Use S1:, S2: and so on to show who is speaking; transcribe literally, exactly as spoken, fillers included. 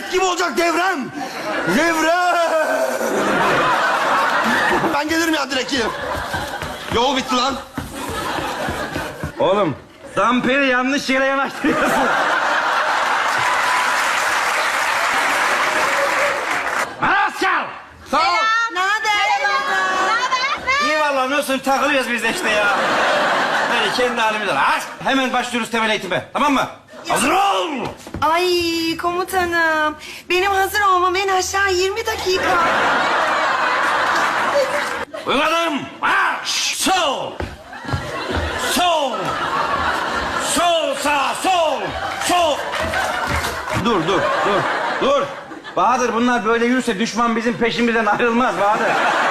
S1: Jet gibi olacak devrem. Devrem. Ben gelirim ya direkt gelirim. Yol bitti lan.
S2: Oğlum, damperi yanlış yere yanaştırıyorsun. Maraskal!
S1: Sağ ol.
S3: Ne haber?
S2: İyi vallahi, nasıl takılıyoruz biz de işte ya. Böyle kendi halimizden. Aç, hemen başlıyoruz temel eğitime, tamam mı? Hazır ol!
S3: Ay komutanım. Benim hazır olmam en aşağı yirmi dakika.
S2: Uyguladım. Marş! Sol! Sol! Sol, sağ, sol! Sol! Dur, dur, dur, dur. Bahadır, bunlar böyle yürürse düşman bizim peşimizden ayrılmaz Bahadır.